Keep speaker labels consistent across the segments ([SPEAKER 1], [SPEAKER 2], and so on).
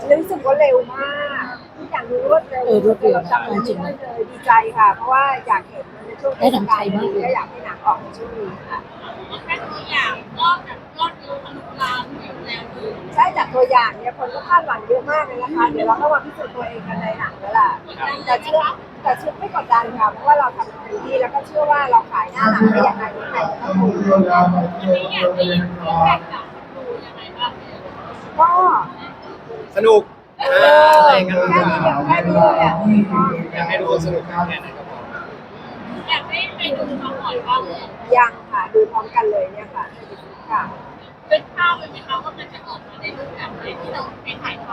[SPEAKER 1] รู้สึกว่าเร็วมากทุกอย่างรู้รวดเร็วเราจำจริงเลยดีใจค่ะเพราะว่าอยากเห็นในช่วงเทศกาลนี้ก็อยากให้หนังออกในช่วงนี้ค่ะ
[SPEAKER 2] แค่ตัวอย่างก็แบบยอดวิวทะลุล้านวิวแล้วคือ
[SPEAKER 1] ใช่จากตัวอย่างเนี่ยคนก็คาดหวังเยอะมากเลยนะคะเดี๋ยวเราก็มาพิสูจน์ตัวเองกันในหนังแล้วล่ะแต่เชื่อไม่กดดันค่ะเพราะว่าเราทำเต็มที่แล้วก็เชื่อว่าเราขายหน้าหนังได้ยังไงที่ใครจะต้องดู
[SPEAKER 2] วันนี้อยากได้ยินฟีดแบ็กจากคนดูยังไงบ้างเนี่ย
[SPEAKER 1] ก็
[SPEAKER 3] สนุกอะไรกัน
[SPEAKER 1] แค่นี้เดียวแค่นี้เลยอ่ะ
[SPEAKER 3] อยากให้ทุกคนสนุกแค่ไหนก็พอ
[SPEAKER 2] อยากให้ไปดูมาก่อนบ้างเลย
[SPEAKER 1] ยังค่ะดูพร้อมกันเลยเนี่ยค่ะค่ะ
[SPEAKER 2] เป็นภาพเลยไหมคะว่ามันจะออกมาในรูปแบบไหนที่เราไปถ่าย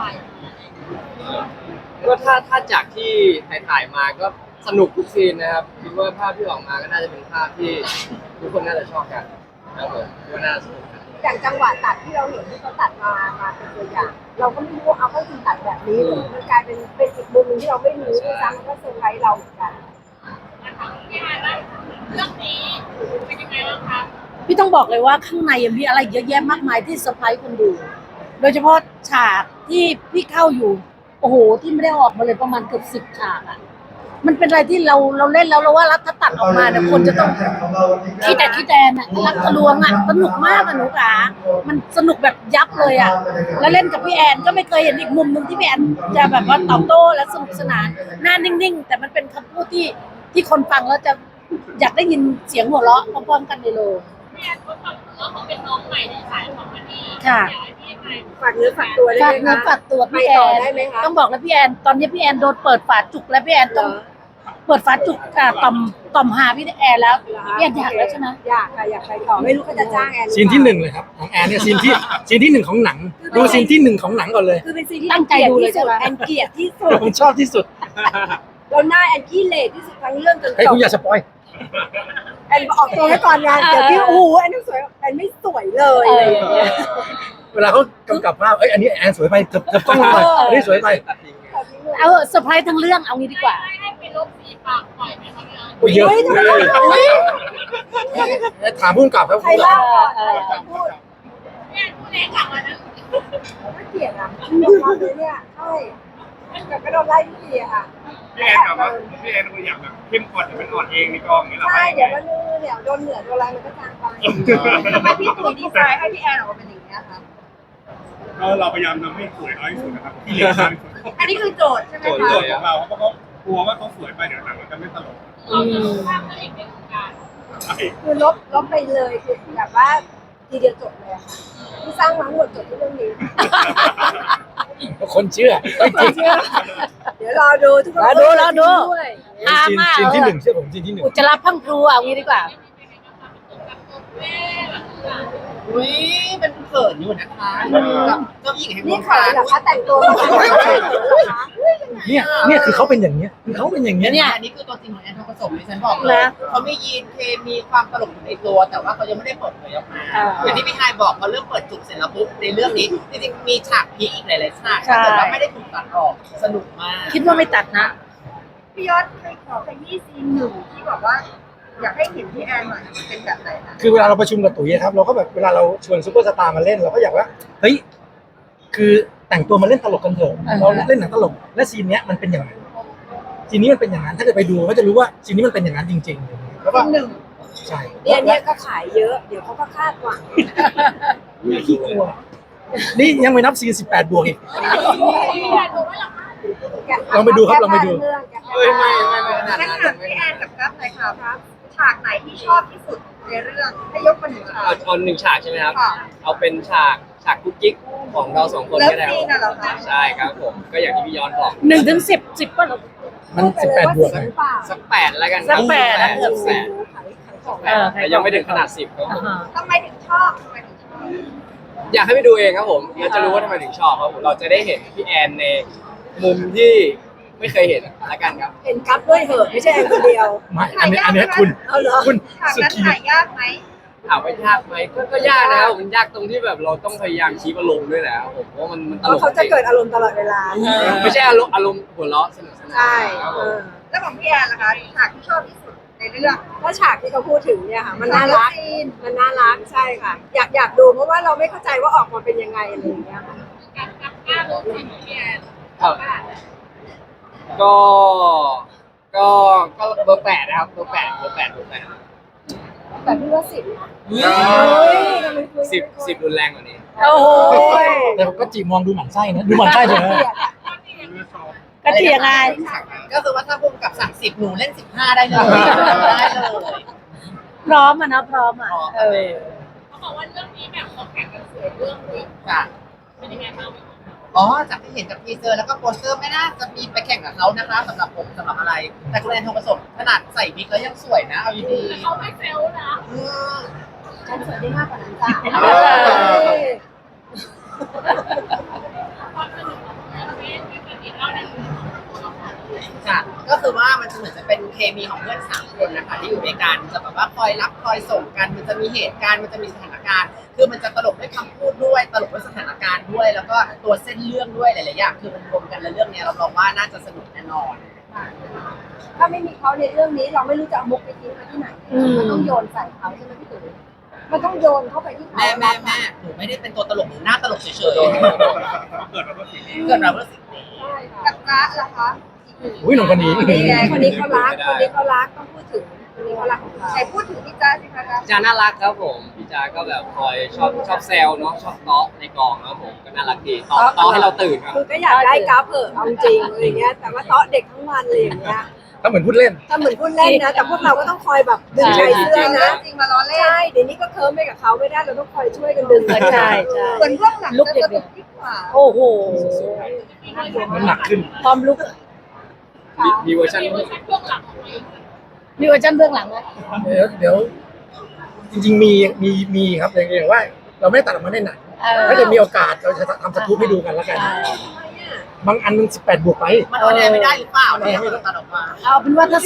[SPEAKER 3] ก็ถ้าจากที่ถ่ายมาก็สนุกทุกซีนนะครับคิดว่าภาพที่ออกมาก็น่าจะเป็นภาพที่ทุกคนน่าจะชอบกันนะครับผมก็น่าสนุก
[SPEAKER 1] อย่างจังหวะตัดที่เราเห็นที่เขาตัดมาเป็นตัวอย่างเราก็ไม่รู้เอาเขาจริงตัดแบบนี้เลยมันกลายเป็นอีกมุมนึงที่เราไม่รู้ด้วยซ้ำมันก็เซอร์ไพรส์เราเหมือนกัน
[SPEAKER 2] นะคะพี่ฮายว่าเรื่องนี้เป็นยังไงบ้างคะ
[SPEAKER 4] พี่ต้องบอกเลยว่าข้างในยังมีอะไรเยอะแยะมากมายที่เซอร์ไพรส์คนดู โดยเฉพาะฉากที่พี่เข้าอยู่โอ้โหที่ไม่ได้ออกมาเลยประมาณเกือบ10 ฉากอ่ะมันเป็นอะไรที่เราเล่นแล้วเราว่าถ้าตัดออกมาเนี่ยคนจะต้องคิดแต่น่ะรักทะลวงอ่ะสนุกมากอะหนูขามันสนุกแบบยับเลยอ่ะแล้วเล่นกับพี่แอนก็ไม่เคยเห็นอีกมุมนึงที่พี่แอนจะแบบว่าตอบโต้และสนุกสนานหน้านิ่งๆแต่มันเป็นคำพูดที่คนฟังแล้วจะอยากได้ยินเสียงหัวเราะพร้อมๆกันในโรง
[SPEAKER 2] พี่แอนเขาทำแล้วเขาเป็นน้องใหม่ในสายของมันนี่
[SPEAKER 4] ค่ะ
[SPEAKER 1] ฝากเนื้อฝากตัวได้ไหมคะ
[SPEAKER 4] ฝากตัวพี่แอนต้องบอกแล้วพี่แอนตอนนี้พี่แอนโดนเปิดฝาจุกแล้วพี่แอนต้องเปิดฝาจุกต่อมหาพี่แอนแล้วพี่แอนอยากแล้วใช่ไหม
[SPEAKER 1] อยากค่ะอยากไปต่อไม่รู้เขาจะจ้างแอน
[SPEAKER 5] ซีนที่1เลยครับของแอนเนี่ยซีนที่1ของหนังดูซีนที่1ของหนังก่อนเลย
[SPEAKER 1] คือเป็นซีนที่ตั้งใจดูเลยใช่ไหมแอนเกลียดที่สุด
[SPEAKER 5] ผมชอบที่สุด
[SPEAKER 1] เราหน้าแอนขี้เหร่ที่สุดทั้งเรื่องจนจบ
[SPEAKER 5] ให้คุณอย่าสปอย
[SPEAKER 1] แอนออกตัวให้ก่อนงานเดี๋ยวพี่โอ้โหแอนสวยแอนไม่สวยเลยอะไรอย่างเงี้ย
[SPEAKER 5] เวลาเขากำกับภาพอันนี้แอนสวยไปเกือบต้องเลยอันนี้สวยไป
[SPEAKER 4] เอาเซอร์ไพรส์ทั้งเรื่องเอางี้ดีกว่า
[SPEAKER 2] ให้ไปลบสีปากปล่อยไหมคะพี่แอน
[SPEAKER 5] โอ้ยเยอะถามผู้กำกับครับ
[SPEAKER 1] ใครเล่าใครพูด
[SPEAKER 2] พี่แอนพูดเองกลับมานะ
[SPEAKER 1] ไม่เกลียดอ่ะยอมรับเลยเนี่ยใช่แต่ก็โดนไล่ทุกทีอะค่ะ
[SPEAKER 6] พี่แอนแบบว่าพี่แอนตัวอย่างแบบเข้มข้นแต่เป็นอ่อนเองในกองนี้หรอ
[SPEAKER 1] ใช่เดี๋ยวมันเดี๋ยวโดนเหนือโดนอะไรมันก็จางไปทำไมพี่ตุ๋ยดีไซน์ให้พี่แอนออกมาเป็นอย่างนี้คะ
[SPEAKER 6] เราพยายามทำให้สวยน้อยที่สุดนะครับที่เหลือทำให้สวย
[SPEAKER 1] อันนี้คือโจทย์ใช่ไหมคะ
[SPEAKER 6] โจทย์ของเราเพราะเขากลัวว่าเขาสวยไปเดี๋ยวหนังมันจะไม่ตลก
[SPEAKER 2] เราจะรู้ภาพตัวเองในวงการ
[SPEAKER 1] คือลบไปเลยคือแบบว่าทีเดียวจบเลยค่ะที่สร้างทั้งหมดจบที่เรื่องนี้
[SPEAKER 5] คนเชื่อ
[SPEAKER 1] เดี๋ยวรอดูทุกคน
[SPEAKER 4] รอดู
[SPEAKER 5] ซีนที่1เชื่อผมซีนที่1
[SPEAKER 4] อุจจาระพังครูเอางี้ดีกว่า
[SPEAKER 7] อุ้ยเป็นเขินอยู่นะคะเจ้าหญิงแห่งว
[SPEAKER 1] นี่
[SPEAKER 7] ง
[SPEAKER 1] ขาย
[SPEAKER 7] การ
[SPEAKER 1] เหรอคะแต่งตัว
[SPEAKER 5] เนี่ยคือเขาเป็นอย่างเงี้ยเขาเป็นอย่างเงี้ย
[SPEAKER 7] เนี่ยอันนี้คือตัวจริงของแอนทองผสมที่ฉันบอกเลยเขามียีนเคมีความตลกอยู่ในตัวแต่ว่าเขายังไม่ได้เปิดเผยออกมาอย่างที่พี่ไฮบอกเขาเริ่มเปิดจุกเสร็จแล้วปุ๊บในเรื่องนี้จริงๆมีฉากพีอีกหลายๆฉากแต่ว่าไม่ได้ถูกตัดออกสนุกมาก
[SPEAKER 4] คิดว่าไม่ตัดนะ
[SPEAKER 1] พี่ยอดเคยขอขยี้ซีนหนึ่งที่บอกว่าอยากให้เห็นพี่แอนหน่อยเป็นแบบไหนนะ
[SPEAKER 5] คือเวลาเราประชุมกับตุ๋ยครับเราก็แบบเวลาเราชวนซุปเปอร์สตาร์มาเล่นเราก็อยากว่าเฮ้ยคือแต่งตัวมาเล่นตลกกันเถอะเราเล่นหนังตลกและซีนเนี้ยมันเป็นอย่างนั้นซีนนี้มันเป็นอย่างนั้นถ้าเกิดไปดูก็จะรู้ว่าซีนนี้มันเป็นอย่างนั้นจริงๆแล้วก็
[SPEAKER 1] หนึ่ง
[SPEAKER 5] ใช่
[SPEAKER 1] เนี่ยก็ขายเยอะเดี๋ยวเขาก็คาดหวัง
[SPEAKER 5] ไม่ขี้กลัวนี่ยังไม่นับซีน18 บวกอีกลองไปดูครับลองไปดู
[SPEAKER 3] ไม่
[SPEAKER 1] งั้นถามพี่แอนกับกั๊บหน่อยครับฉากไหนที่ชอบที่สุดในเรื่องให้ยกมาหนึ่งฉาก
[SPEAKER 3] เอา1 ฉากใช่ไหมครับเอาเป็นฉากกุ๊กกิ๊กของเรา2 คนก็ได้ใช่ครับผมก็อย่างที่พี่ย้อนบอก
[SPEAKER 4] 1 ถึง 10ป่ะ
[SPEAKER 5] มัน18 บวก
[SPEAKER 3] สัก8แล้วกัน
[SPEAKER 4] สัก8นะ
[SPEAKER 3] แต่ยังไม่ถึงขนาด10ครับ
[SPEAKER 1] ทำไมถึงชอบ
[SPEAKER 3] อยากให้ไปดูเองครับผมเราจะรู้ว่าทำไมถึงชอบครับผมเราจะได้เห็นพี่แอนในมุมที่ไม่เคยเห็นละกันครับ
[SPEAKER 1] เห็นกั๊บด้วยเหอะไม่ใช่แอนคนเดียว
[SPEAKER 5] ไม่อันนี้คุณ
[SPEAKER 1] สุดถ่ายยากไหม
[SPEAKER 3] ถามว่ายากไหมก็ยากนะครับมันยากตรงที่แบบเราต้องพยายามชี้อารมณ์ด้วยแหละผมเพราะมันตลก
[SPEAKER 1] เขาจะเกิดอารมณ์ตลอดเวลา
[SPEAKER 3] ไม่ใช่อารมณ์หัวเราะสนุกสนาน
[SPEAKER 1] ใช่แล้วของพี่แอนล่ะคะฉากที่ชอบที่สุดในเรื่องก็ฉากที่เขาพูดถึงเนี่ยค่ะมันน่ารักใช่ค่ะอยากดูเพราะว่าเราไม่เข้าใจว่าออกมาเป็นยังไงอะไรอย่างเงี้ยค่ะ
[SPEAKER 2] กล้ารู้สิพี่แอน
[SPEAKER 3] ครับก็ก็เบอร์ 8นะครับเบอร์ 8
[SPEAKER 1] แต่พี่ว่า10นะ
[SPEAKER 3] 10รุนแรงกว่านี้
[SPEAKER 4] โอ้โห
[SPEAKER 5] แต่ก็จีมองดูหมั่นไส้นะดูหมั่นไส้เลยนะ
[SPEAKER 4] กระเทียงไง
[SPEAKER 7] ก็คือว่าถ้าพุ่มกับสั่ง10หนูเล่น15ได้เลยได้เลย
[SPEAKER 4] พร้อมอ่ะนะพร้อมอ่ะเออ
[SPEAKER 2] เขาบอกว่าเรื่องนี้แบบเขาแข่งกันสวยเรื่องนึง
[SPEAKER 7] ค่ะ
[SPEAKER 2] เป็นยังไงบ้าง
[SPEAKER 7] อ๋อจากที่เห็นจากทีเซอร์แล้วก็โปสเตอร์ไม่น่าจะมีไปแข่งกับเขานะคะสำหรับผมสำหรับอะไร แต่คุณแอนทองผสมขนาดใส่วิกแล้วยังสวยนะเอาดี
[SPEAKER 2] แต่เขาไม่เซลล์นะ
[SPEAKER 7] ๆอืม
[SPEAKER 1] ฉันสวยได้มากกว่านั้นจ้ะ
[SPEAKER 2] ความสนุกของเรื่องนี้ที่เป็นอีกเล่าหนึ่ง
[SPEAKER 7] ค่ะ ก็คือว่ามันจะเหมือนจะเป็นเคมีของเพื่อน3 คนนะคะที่อยู่ด้วยกันจะแบบว่าคอยรับคอยส่งกันมันจะมีเหตุการณ์มันจะมีสถานการณ์ คือมันจะตลกด้วยคำพูดด้วยตลกด้วยสถานการณ์ด้วย แล้วก็ตัวเส้นเรื่องด้วยหลายๆอย่างคือมันรวมกันแล้วเรื่องนี้เราลองว่าน่าจะสนุกแน่นอน
[SPEAKER 1] ถ้าไม่มีเขาในเรื่องนี้เราไม่รู้จะเอามุกไปทิ้งไว้ที่ไหน มันต้องโยนใส่เขาใช่ไหมพี่ตุ๋ยมันต้องโยนเข้าไปที่เขา
[SPEAKER 7] แม่หนูไม่ได้เป็นตัวตลกหนูหน้าตลกเฉย
[SPEAKER 6] เกิดมาเพื่อสิ่งนี้
[SPEAKER 7] ๆเกิดมาเพื่อสิ่งนี้
[SPEAKER 1] ใช่ค่ะกับจ๊ะล่ะคะ
[SPEAKER 5] อุ้ยหนุ่มคนนี้
[SPEAKER 1] นี่ไงคนนี้เขารักคนนี้เขารักต้องพูดถึงคนนี้เขารักของเราใครพูดถึงพี่จ๊ะสิคะจ๊ะ
[SPEAKER 3] พี่จาน่ารักครับผมพี่จาก็แบบคอยชอบแซวเนาะชอบเตาะในกองครับผมก็น่ารักดีเตาะให้เราตื่นครับ
[SPEAKER 1] คือก็อยากได้กราฟเผอะเอาจริงอะไรเงี้ยแต่ว่าเตาะเด็กทั้งวันเลยอย่างเงี้ย
[SPEAKER 5] ถ้าเหมือนพูดเล่น
[SPEAKER 1] ถ้าเหมือนพูดเล่นนะ แต่พวกเราก็ต้องคอยแบบดึงใจเสื้อนะจริงมาล้อเล่นใช่เดี๋ยวนี้ก็เคิร์มไปกับเขาไม่ได้เราต้องคอยช่วยกันดึง
[SPEAKER 4] ใช่ใช่
[SPEAKER 1] เหมือนพวกหนัง
[SPEAKER 4] ลุก
[SPEAKER 1] จะ
[SPEAKER 4] เด็
[SPEAKER 1] ส
[SPEAKER 4] ก
[SPEAKER 1] นุกยิ่งกว่า
[SPEAKER 4] โอ้โห
[SPEAKER 5] น้ำหนักขึ้น
[SPEAKER 4] ความลุก
[SPEAKER 3] มีเวอร์ชัน
[SPEAKER 2] มีเวอร์ชันเบื้องหลังของตัวเอง
[SPEAKER 4] มีเวอร์ชันเบื้องหลังไหม
[SPEAKER 5] เดี๋ยวจริงๆมีครับอย่างว่า เราไม่ได้ตัดออกมาในหนัง
[SPEAKER 4] เออ
[SPEAKER 5] ถ้าจะมีโอกาสเราจะทำสกู๊ปให้ดูกันแล้วกัน บางอันมัน18 บวกไป
[SPEAKER 7] มันออนแอร์ไม่ได้หรือเปล่าเนี่ยมันตัดออกมา
[SPEAKER 4] เอาเป็นว่าถ้า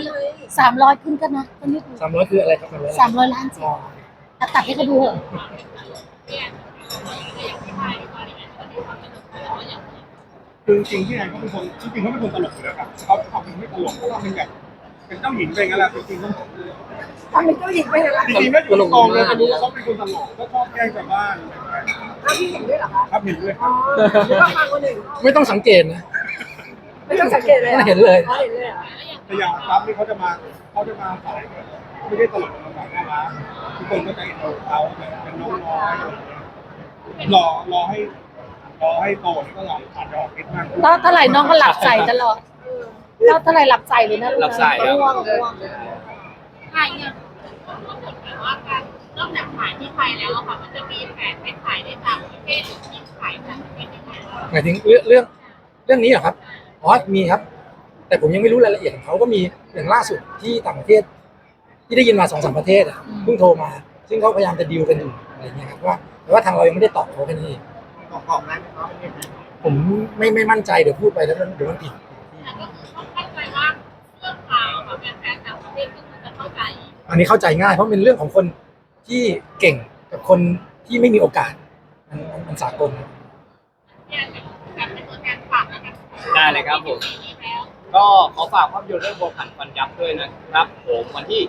[SPEAKER 4] 300ขึ้นกันนะก็นิดนึง
[SPEAKER 5] 300 คืออะไรครับ
[SPEAKER 4] 300 ล้านสิตัดให้เขาดูเถอะ
[SPEAKER 2] พี่แอนอย่างที่ไทยดีกว่าเนี่ยมันมีความสนุกแต่ว่าอย่าง
[SPEAKER 6] คือจริงๆพี่แอนเขาเป็นคนจริงๆเขาเป็นคนตลกอยู่แล้วครับเขาเป็นไม่ตลกเขาเป็นแบบเป็นเจ้าหญิงไปงั้นแหละจริงๆต้อง
[SPEAKER 1] ทำเป็นเจ้าหญิงไปเลยนะ
[SPEAKER 6] จริงๆไม่อยู่ในกองเลยจะรู้ว่าเขาเป็นคนตลกก็ชอบแกล้งชาวบ้าน
[SPEAKER 1] อ้าวพี่เห็นด้วยเหรอคะ
[SPEAKER 6] ครับเห็นด้วยค
[SPEAKER 1] อ๋
[SPEAKER 6] รั
[SPEAKER 1] อบ หรือว่าฟังคนอื่น
[SPEAKER 5] ไม่ต้องสังเกตนะ
[SPEAKER 1] ไม่ต้องสังเกตเลย
[SPEAKER 5] ไม่เห็นเลย
[SPEAKER 1] อ๋อเห็นเลยเหรอ
[SPEAKER 6] แต่อย่างรับนี่เขาจะมาสายไม่ได้ตลกมาสายน่ารักทุกคนก็จะเห็นเขาเป็นน้องน้อยรอให้โตแล้วก็ลองผ่านดอกคิดมาก
[SPEAKER 4] ตอนเท่าไหร่น้องก็หลับใส่ตลอดตอนเท่าไหร่หลับใส่เลยนะ
[SPEAKER 3] หลับใส่ครับ
[SPEAKER 4] ง่วง
[SPEAKER 2] ถ่ายเนี่ยก็เหมือนแบบว่าการนอกจากถ่ายที่ไทยแล้วอะค่ะมันจะมีแผนไปถ่ายในต่างประเทศหรือที่ถ่ายต่างประเทศยังไงบ้าง
[SPEAKER 5] หมายถึงเรื่องนี้เหรอครับอ๋อมีครับ แต่ผมยังไม่รู้รายละเอียดของเขาก็มีอย่างล่าสุดที่ต่างประเทศ ที่ได้ยินมา2-3 ประเทศอ่ะเพิ่งโทรมา ซึ่งเขาพยายามจะดีลกันอยู่อะไรเงี้ยครับว่าแต่ว่าทางเรายังไม่ได้ตอบเขาแค่นี้เอง
[SPEAKER 7] บอกได้ไหมครับ
[SPEAKER 5] ผมไม่มั่นใจเดี๋ยวพูดไปแล้วเดี๋ยวมันผิด
[SPEAKER 2] แต่ก็คือต้องเข้าใจว่าเรื่องราวแบบแฟนๆต่างประเทศก็คือจะเข้าใจ
[SPEAKER 5] อันนี้เข้าใจง่ายเพราะเป็นเรื่องของคนที่เก่งกับคนที่ไม่มีโอกาสมันสากล
[SPEAKER 2] เนี่ยแบบเป็นตัวแทนฝากแล้วกัน
[SPEAKER 3] ได้เลยครับผม
[SPEAKER 2] นี้แล้ว
[SPEAKER 3] ก็ขอฝากภาพยนตร์เรื่องบัวผันฟันยับด้วยนะครับผมวันที่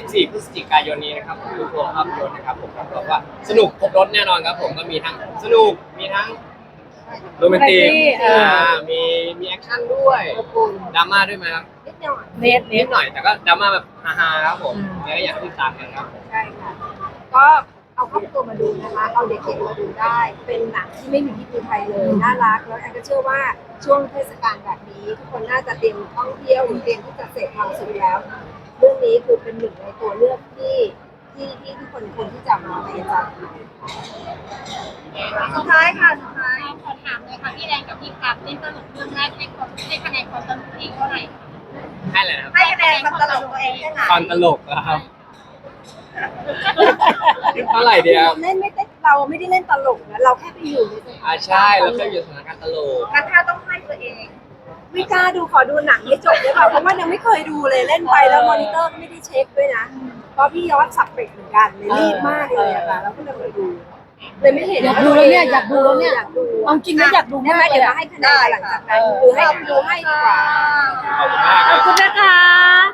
[SPEAKER 3] 24 พฤศจิกายนนี้นะครับคือตัวภาพยนตร์นะครับผมรับรองว่าสนุกครบรถแน่นอนครับผมก็มีทั้งสนุกมีทั้งโรแมนติกมีแอคชั่นด้วยดราม่าด้วยไหมครับ
[SPEAKER 1] นิดหน่อย
[SPEAKER 4] เน็ต
[SPEAKER 3] นิดหน่อยแต่ก็ดราม่าแบบฮาๆครับผมแล้วก็อยากให้ติดตามกันครับ
[SPEAKER 1] ใช่ค่ะ ก็เอาครอบครัวมาดูนะคะ เอาเด็กๆมาดูได้ เป็นหนังที่ไม่มีที่ไทยเลย น่ารัก แล้วแอนก็เชื่อว่าช่วงเทศกาลแบบนี้ ทุกคนน่าจะเตรียมท่องเที่ยวหรือเตรียมที่จะเสพความสุขแล้ว เรื่องนี้คือเป็นหนึ่งในตัวเลือกที่ทุกคนควรที่จะมาไปจัดสุดท้ายค่ะสุดท้าย
[SPEAKER 2] ขอถามเลยค่ะพี่แดงกับพี่กับเล่นตลกเรื่องแรกให้คะแนนความสนุกที่เท่าไหร่
[SPEAKER 3] ให้เลยนะครับ
[SPEAKER 1] ให้คะแนนความตลกตัวเองได้ไหม
[SPEAKER 3] ตอนตลกนะครับเท่าไหร่ดีครับ
[SPEAKER 1] เล่นไม่ได้เราไม่ได้เล่นตลกนะเราแค่ไปอยู่ในสถาน
[SPEAKER 3] ใช่เราเคยอยู่สถานการณ์ตลก
[SPEAKER 1] การถ้าต้องให้ตัวเองไม่กล้าดูขอดูหนังให้จบได้ป่ะเพราะว่ายังไม่เคยดูเลยเล่นไปแล้วมอนิเตอร์ก็ไม่ได้เช็คด้วยนะเพราะพี่ยอดสับเป็ดเหมือนกันเลยรีบมากเลยอะค่ะแล้วก็เลยดูเลยไม่เห็น
[SPEAKER 4] อยากดูแล้วเนี่ยอยากดูแล้วเนี่ย
[SPEAKER 1] อยากดู
[SPEAKER 4] เอาจริงนะอยากดู
[SPEAKER 1] ได้
[SPEAKER 4] มาก
[SPEAKER 1] ไหม
[SPEAKER 4] เล
[SPEAKER 1] เดี๋ย
[SPEAKER 4] ยว
[SPEAKER 1] มาให้คะแนนหลังจากนั้นหรือให้ดูให้ดีกว่า
[SPEAKER 3] ขอบคุณมาก
[SPEAKER 4] ข
[SPEAKER 3] ค
[SPEAKER 4] อ
[SPEAKER 3] รั
[SPEAKER 4] บบ คุณนะคะ